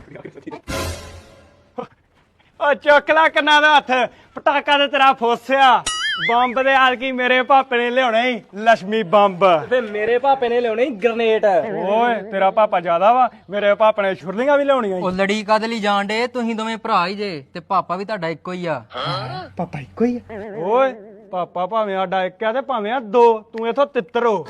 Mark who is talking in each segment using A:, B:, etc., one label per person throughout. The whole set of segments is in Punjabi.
A: ਓ ਚੁੱਕ ਲੈ ਕੰਨਾਂ ਦਾ ਹੱਥ, ਪਟਾਕਾ ਤੇ ਤੇਰਾ ਫੋਸਿਆ। ਬੰਬ ਦੇ ਆਲ ਕੀ ਮੇਰੇ ਭਾਪੇ ਨੇ ਲਿਆਉਣਾ ਹੀ ਲక్ష్ਮੀ ਬੰਬ,
B: ਤੇ ਮੇਰੇ ਪਾਪੇ ਨੇ ਲਿਆਉਣੇ ਗ੍ਰਨੇਡ।
A: ਓਏ ਤੇਰਾ ਪਾਪਾ ਜ਼ਿਆਦਾ ਵਾ, ਮੇਰੇ ਪਾਪੇ ਨੇ ਛੁਰਲੀਆਂ ਵੀ ਲਿਆਉਣੀਆਂ।
C: ਉਹ ਲੜੀ ਕਦ ਲਈ ਜਾਣ ਡੇ? ਤੁਸੀਂ ਦੋਵੇਂ ਭਰਾ ਹੀ ਜੇ ਤੇ ਪਾਪਾ ਵੀ ਤੁਹਾਡਾ ਇੱਕੋ ਹੀ ਆ।
A: ਪਾਪਾ ਇੱਕੋ ਹੀ ਆ? ਓਏ ਪਾਪਾ ਭਾਵੇਂ ਸਾਡਾ ਇੱਕ ਆ ਤੇ ਭਾਵੇਂ ਆ ਦੋ, ਤੂੰ ਇਥੋਂ ਤਿੱਤਰ ਹੋ।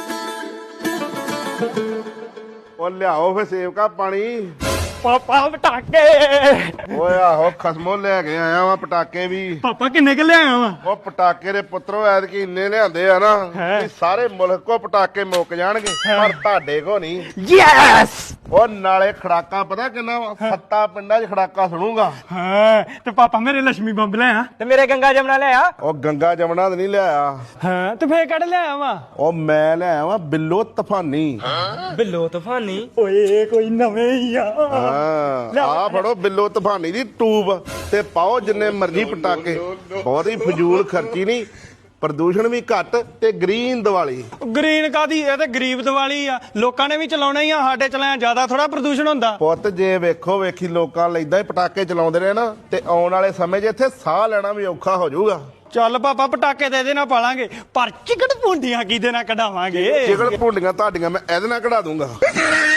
D: ਉਹ ਲਿਆਓ ਫੇ ਸੇਵਕਾ ਪਾਣੀ।
A: ਪਾਪਾ ਪਟਾਕੇ।
D: ਓਏ ਆਹੋ ਖਸਮੋ ਲੈ ਕੇ ਆਇਆ ਵਾ ਪਟਾਕੇ ਵੀ।
A: ਪਾਪਾ ਕਿੰਨੇ ਕਿ ਲਿਆਇਆ ਵਾ?
D: ਉਹ ਪਟਾਕੇ ਦੇ ਪੁੱਤਰੋ ਐਤਕੀ ਇੰਨੇ ਲਿਆਂਦੇ ਆ ਨਾ ਕਿ ਸਾਰੇ ਮੁਲਕ ਕੋ ਪਟਾਕੇ ਮੁੱਕ ਜਾਣਗੇ, ਪਰ ਤੁਹਾਡੇ ਕੋ ਨਹੀਂ।
A: ਯੈਸ।
D: ਉਹ ਨਾਲੇ ਖੜਾਕਾਂ ਪਤਾ ਕਿੰਨਾ ਵਾ? 7 ਪਿੰਡਾਂ 'ਚ ਖੜਾਕਾ ਸੁਣੂਗਾ।
A: ਹਾਂ ਤੇ ਪਾਪਾ ਮੇਰੇ ਲక్ష్ਮੀ ਬੰਬ ਲਿਆ।
B: ਤੇ ਮੇਰੇ ਗੰਗਾ ਜਮਨਾ ਲਿਆ।
D: ਉਹ ਗੰਗਾ ਜਮਨਾ ਤੇ ਨਹੀਂ ਲਿਆਇਆ।
A: ਹਾਂ ਤੇ ਫੇਰ ਕੱਢ ਲਿਆਇਆ ਵਾ?
D: ਉਹ ਮੈਂ ਲਿਆਇਆ ਵਾ ਬਿੱਲੋ ਤੂਫਾਨੀ।
B: ਬਿੱਲੋ ਤੂਫਾਨੀ?
A: ਓਏ ਕੋਈ ਨਵੇਂ ਹੀ ਆ।
D: ਆ ਫੜੋ ਬਿੱਲੋ ਤੂਫਾਨੀ ਦੀ ਟੂਬ ਤੇ ਪਾਓ ਜਿੰਨੇ ਮਰਜ਼ੀ ਪਟਾਕੇ। ਬਹੁਤ ਹੀ ਫਜ਼ੂਲ ਖਰਚੀ ਨਹੀਂ, ਪ੍ਰਦੂਸ਼ਣ ਵੀ ਘੱਟ ਤੇ ਗ੍ਰੀਨ ਦੀਵਾਲੀ।
A: ਗ੍ਰੀਨ ਕਾਦੀ? ਇਹ ਤੇ ਗਰੀਬ ਦੀਵਾਲੀ ਆ, ਲੋਕਾਂ ਨੇ ਵੀ ਚਲਾਉਣਾ ਹੀ ਆ, ਸਾਡੇ ਚਲਾਇਆ ਜ਼ਿਆਦਾ ਥੋੜਾ ਪ੍ਰਦੂਸ਼ਣ ਹੁੰਦਾ।
D: ਪੁੱਤ ਜੇ ਵੇਖੋ ਵੇਖੀ ਲੋਕਾਂ ਲੈਂਦਾ ਹੀ ਪਟਾਕੇ ਚਲਾਉਂਦੇ ਰਹੇ ਨਾ ਤੇ ਆਉਣ ਵਾਲੇ ਸਮੇਂ 'ਚ ਇੱਥੇ ਸਾਹ ਲੈਣਾ ਵੀ ਔਖਾ ਹੋ ਜਾਊਗਾ।
A: ਚੱਲ ਪਾਪਾ ਪਟਾਕੇ ਤੇ ਇਹਦੇ ਨਾਲ ਪਾਲਾਂਗੇ, ਪਰ ਚਿਕਟ ਪੁੰਡੀਆਂ ਕਿਹਦੇ ਨਾਲ ਕਢਾਵਾਂਗੇ?
D: ਚਿਕਨ ਭੁੰਡੀਆਂ ਤੁਹਾਡੀਆਂ ਮੈਂ ਇਹਦੇ ਨਾਲ ਕਢਾ ਦੂੰਗਾ।